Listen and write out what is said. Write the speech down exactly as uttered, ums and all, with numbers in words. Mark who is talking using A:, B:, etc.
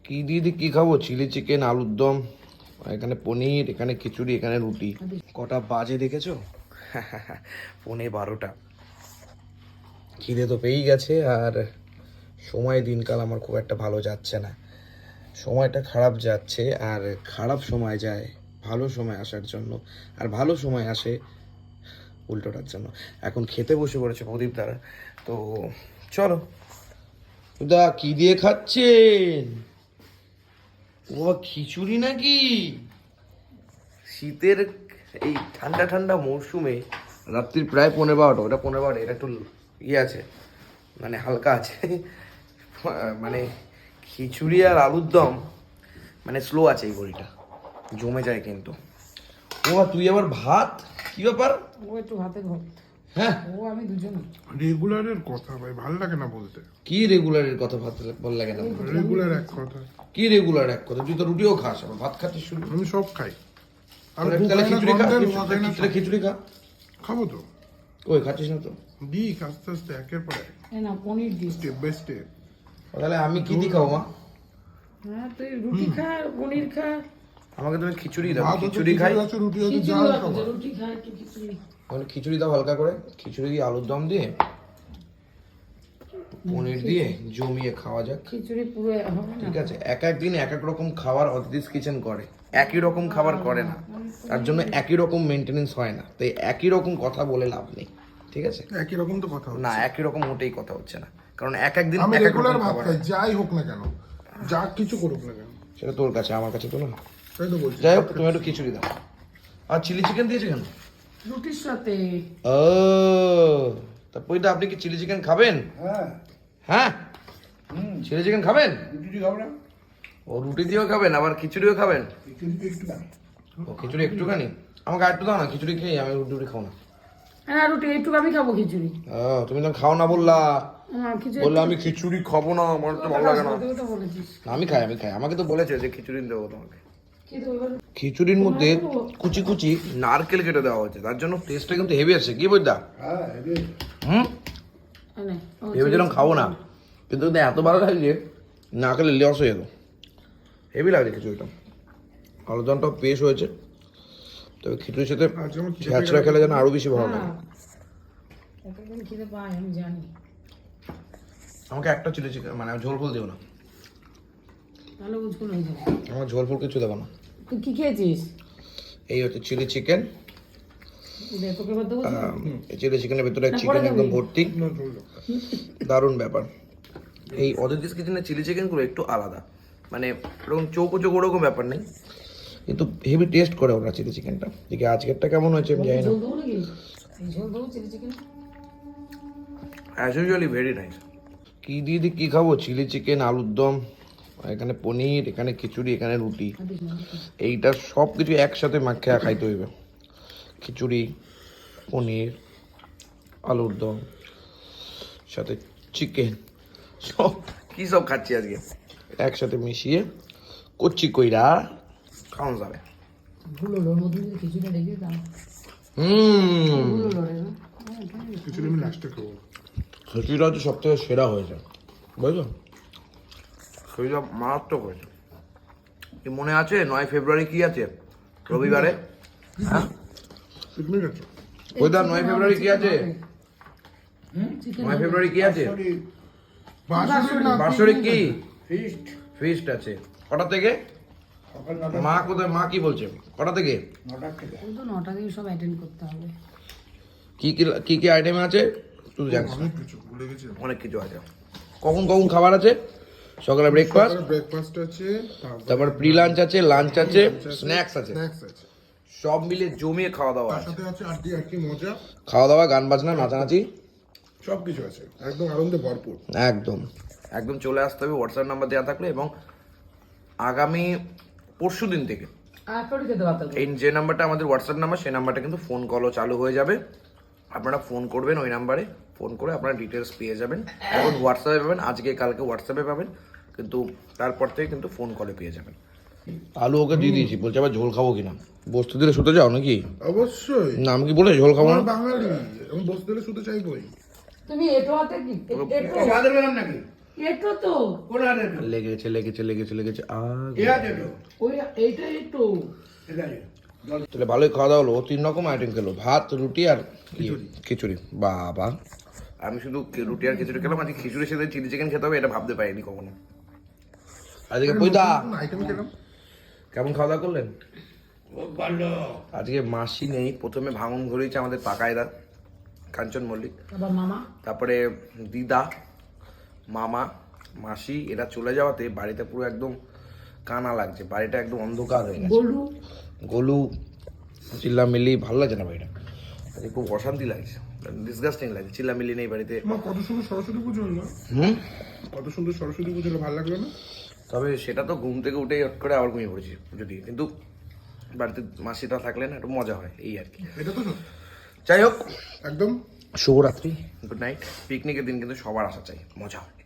A: কি দিয়ে দিয়ে কি খাবো? চিলি চিকেন, আলুর দম, এখানে পনির, এখানে খিচুড়ি, এখানে রুটি। কটা বাজে দেখেছো? পৌনে বারোটা। খিদে তো পেয়েই গেছে, আর সময় দিনকাল আমার খুব একটা ভালো যাচ্ছে না। সময়টা খারাপ যাচ্ছে, আর খারাপ সময় যায় ভালো সময় আসার জন্য, আর ভালো সময় আসে উল্টোটার জন্য। এখন খেতে বসে পড়েছে প্রদীপ দ্বারা, তো চলো। দা কি দিয়ে খাচ্ছেন? ও খিচুড়ি নাকি? শীতের এই ঠান্ডা ঠান্ডা মরশুমে রাত্রির প্রায় পনেরো বারোটা, ওটা পনেরো বারোটা, এটা একটু ইয়ে আছে, মানে হালকা আছে। মানে খিচুড়ি আর আলুর দম মানে স্লো আছে, এই বড়িটা জমে যায় কিন্তু। ও তুই আবার ভাত, কি ব্যাপার?
B: ও একটু ভাতে ঘর।
A: হ্যাঁ,
B: ও আমি দুজন।
C: রেগুলারের কথা ভাই, ভালো লাগে না বলতে।
A: কি রেগুলারের কথা ভাত বল লাগে না?
C: রেগুলার এক কথা।
A: কি রেগুলার এক কথা? তুই তো রুটিও খাস, আবার ভাত খাচ্ছিস শুরু।
C: আমি সব খাই। আমি
A: তাহলে খিচুড়ি খা,
C: content
A: খিচুড়ি-
C: হয় না
A: তাহলে খিচুড়ি খা।
C: খাবো তো।
A: ওই খাচ্ছিস না তো?
C: দিক আস্তে আস্তে একের পর এক,
B: এই না paneer this.
C: Step by step.
A: তাহলে আমি কি দি খাবো মা?
B: হ্যাঁ তুই রুটি খা, পনির খা।
A: আমাকে তুমি খিচুড়ি দাও,
C: ভাত হচ্ছে,
A: খিচুড়ি খাই।
C: খিচুড়ি আছে, রুটি আছে,
B: খিচুড়ি
C: যাই
B: আছে,
C: খাবো।
B: রুটি খা একটু খিচুড়ি।
A: তাহলে খিচুড়ি দাও হালকা করে, খিচুড়ি দিয়ে আলুর দম দিয়ে পনির দিয়ে জমিয়ে খাওয়া যাক।
B: খিচুড়ি পুরো হবে না।
A: ঠিক আছে, এক এক দিন এক এক রকম খাবার অতিথিস কিচেন করে, একই রকম খাবার করে না, তার জন্য একই রকম মেনটেনেন্স হয় না, তাই একই রকম কথা বলে লাভ নেই। ঠিক আছে,
C: একই রকম তো কথা হচ্ছে।
A: না একই রকম মোটেই কথা হচ্ছে না, কারণ এক এক দিন
C: আমি
A: এক এক রকম
C: রেগুলার ভাত
A: খাবার
C: খাই,
A: হয়।
C: যাই হোক না কেন, যা কিছু করুক না কেন।
A: সেটা তোর কাছে, আমার কাছে তো না।
C: তাই তো বলছি।
A: যাই হোক, তুমি একটু খিচুড়ি দাও। আর চিলি চিকেন দিয়েছে কেন?
B: রুটির সাথে।
A: ও তা পইদা, আপনি কি চিলি চিকেন খাবেন?
C: হ্যাঁ,
A: হ্যাঁ, চিলি চিকেন খাবেন?
C: রুটি খাবো না,
A: ও রুটি দিয়েও খাবেন, আবার খিচুড়িও খাবেন?
C: একটু একটু না।
A: ও খিচুড়ি একটুখানি আমাকে আরেকটু দাও না, খিচুড়ি খেয়ে আমি রুটি রুটি খাও না।
B: হ্যাঁ রুটি একটু আমি খাবো খিচুড়ি।
A: ও তুমি তো খাও না বললা,
B: হ্যাঁ খিচুড়ি।
A: বললা আমি খিচুড়ি খাবো না, আমার তো ভালো লাগে না।
B: তুই তো বলেছিস।
A: না, আমি খাই, আমি খাই, আমাকে তো বলেছে যে খিচুড়ি দেবো তোমাকে।
B: কি তো এবার
A: খিচুড়ির মধ্যে কুচি কুচি নারকেল কেটে দেওয়া হয়েছে, তার জন্য টেস্টটা কিন্তু হেভি আছে। কি বলতা?
C: হ্যাঁ,
A: হুম,
B: নে, ও
A: ভেবেছিলাম খাবো না, কিন্তু কিন্তু এত ভালো লাগছে না খেলে লস হয়ে যেত। হেভি লাগছে খিচুড়িটা, আলুদমটাও পেশ হয়েছে, তবে খিচুড়ির সাথে
C: আজকে আমার খিদে
A: ছ্যাঁচড়া খেলে যেন আরো বেশি ভালো লাগে।
B: হ্যাঁ। কতদিন খিদে পাই আমি জানি।
A: আমাকে একটা চিলি চিকেন, মানে ঝোল ফুল দিও না,
B: তাহলে বুঝকুন হয়ে যাবে।
A: আমার ঝোল ফুল কিছু দেবো না।
B: তুই কি খেয়েছিস?
A: এই হচ্ছে চিলি চিকেন,
B: দে, তোকে এবার দেবো তো?
A: এই চিলি চিকেনের ভেতরে
B: না,
A: চিকেন
B: পরে
A: একদম
B: দেবি।
A: ভর্তি,
C: না ঝোল দাও।
A: দারুণ ব্যাপার। এই অদিতিস কিচেনের চিলি চিকেনগুলো একটু আলাদা, মানে এরকম চৌকো চৌকো ওরকম ব্যাপার নেই, কিন্তু হেভি টেস্ট করে ওরা চিলি চিকেনটা। দেখি আজকেরটা কেমন হয়েছে আমি জানি না।
B: ঝোল দেবো নাকি? এই ঝোল দেবো chilli chicken.
A: As usually very nice. কি দিয়ে দিয়ে কি খাবো? চিলি চিকেন, আলুর দম, এখানে পনির, এখানে খিচুড়ি, এখানে রুটি, এইটা সব কিছু একসাথে মাখে খাইতে হইবে। খিচুড়ি, পনির, আলুর দম, সাথে চিকেন, সব কি সব খাচ্ছি আজকে একসাথে মিশিয়ে কচ্ছি কইরা খাওয়া যাবে।
B: ভুল হলো, ওর মধ্যে যদি খিচুড়ি রেখে দাও।
A: হুম,
B: ভুল হলো রে না?
C: খিচুড়ি আমি লাস্টে খাবো।
A: খিচুড়িটা হচ্ছে সব থেকে সেরা হয়েছে, বুঝলো? খিচুড়িটা মারাত্মক হয়েছে। কি মনে আছে নয় ফেব্রুয়ারি কি আছে? রবিবারে, হ্যাঁ
C: পিকনিক আছে।
A: ওইটা নয় ফেব্রুয়ারি কি আছে?
B: চিকেন
A: নয় ফেব্রুয়ারি কি আছে?
C: বাসুরি না,
A: বাৎসরিক কি
C: ফিস্ট।
A: ফিস্ট আছে। কটা থেকে?
C: সকাল নটা
A: মা কোথায়, মা কি বলছে? কটা থেকে?
C: নটার থেকে।
B: ওই তো নটা দিয়ে সব অ্যাটেন্ড করতে হবে।
A: কি কি কি কি আইটেম আছে তুই জানিস?
C: অনেক কিছু ভুলে গেছি।
A: অনেক কিছু আছে। কখন কখন খাবার আছে? সকালে ব্রেকফাস্ট,
C: ব্রেকফাস্ট আছে,
A: তারপর প্রি লাঞ্চ আছে, লাঞ্চ আছে, স্ন্যাক্স আছে,
C: স্ন্যাক্স আছে,
A: সব মিলে জমিয়ে খাওয়া দাওয়া
C: তার
A: আছে।
C: সাথে আছে আর কি আর কি মজা,
A: খাওয়া দাওয়া, গান বাজনা, নাচানাচি,
C: সব কিছু আছে, একদম আনন্দে ভরপুর।
A: একদম একদম চলে আসতে হবে। হোয়াটসঅ্যাপ নাম্বার দেওয়া থাকলে, এবং আগামী পরশু দিন থেকে
B: আর করে খেতে পারতাম।
A: এই যে নাম্বারটা আমাদের হোয়াটসঅ্যাপ নাম্বার, সেই নাম্বারটা কিন্তু ফোন কলও চালু হয়ে যাবে। আপনারা ফোন করবেন, ওই নাম্বারে ফোন করে আপনারা ডিটেলস পেয়ে যাবেন। এখন হোয়াটসঅ্যাপে পাবেন, আজকে কালকে হোয়াটসঅ্যাপে পাবেন, কিন্তু তারপর থেকে কিন্তু ফোন কলে পেয়ে যাবেন। আলু ওকে দিয়ে দিয়েছি, বলছে আবার ঝোল খাবো কিনা। বসতে দিলে শুতে যাও নাকি?
C: অবশ্যই,
A: না, আমি কি বলে ঝোল খাবো না?
C: আমার বাঙালি, আমি বসতে দিলে শুতে চাইবই।
B: তুমি এটো হাতে কি? এটো
C: বাজার গেলাম নাকি?
B: এটো তো
D: কোন আর এটা
A: লেগেছে লেগেছে লেগেছে লেগেছে আগ
D: এ আছে তো
B: ওই এইটা এটো
D: ঠিক আছে জল
A: তাহলে ভালোই খাওয়া দাওয়া হলো ও তিন রকম আইটেম খেলো ভাত রুটি আর ইয়ে, খিচুড়ি বাবা আমি শুধু কি- রুটি আর খিচুড়ি খেলাম আজকে খিচুড়ির সাথে চিলি চিকেন খেতে হবে এটা ভাবতে পারিনি কখনো আজকে পয়দা
C: আইটেম খেলাম
A: কেমন খাওয়া দাওয়া করলেন
D: খুব ভালো
A: আজকে মাসি নেই প্রথমে ভাঙন ধরেছে আমাদের পাকায়দা কাঞ্চন মল্লিক
B: আবার মামা
A: তারপরে দিদা মামা মাসি এরা চলে যাওয়াতে বাড়িতে পুরো একদম কানা লাগছে বাড়িটা একদম অন্ধকার হয়ে গেছে
B: গলু
A: গোলু চিল্লামিল্লি ভালো লাগছে না বাড়িটা আজকে খুব অশান্তি লাগছে ডিসগাস্টিং লাগছে চিল্লামিল্লি নেই বাড়িতে
C: তোমার কত সুন্দর সরস্বতী পুজো হলো
A: হুম
C: কত সুন্দর সরস্বতী পুজো হলো, ভালো লাগলো না?
A: তবে সেটা তো ঘুম থেকে উঠে হট করে আবার ঘুমিয়ে পড়েছি পুজো দিয়ে কিন্তু বাড়িতে মাসিটা থাকলে না একটু মজা হয় এই আর কি
C: এটা তো সত্যি।
A: যাই হোক
C: একদম
A: শুভরাত্রি গুড নাইট পিকনিকের দিন কিন্তু সবার আসা চাই মজা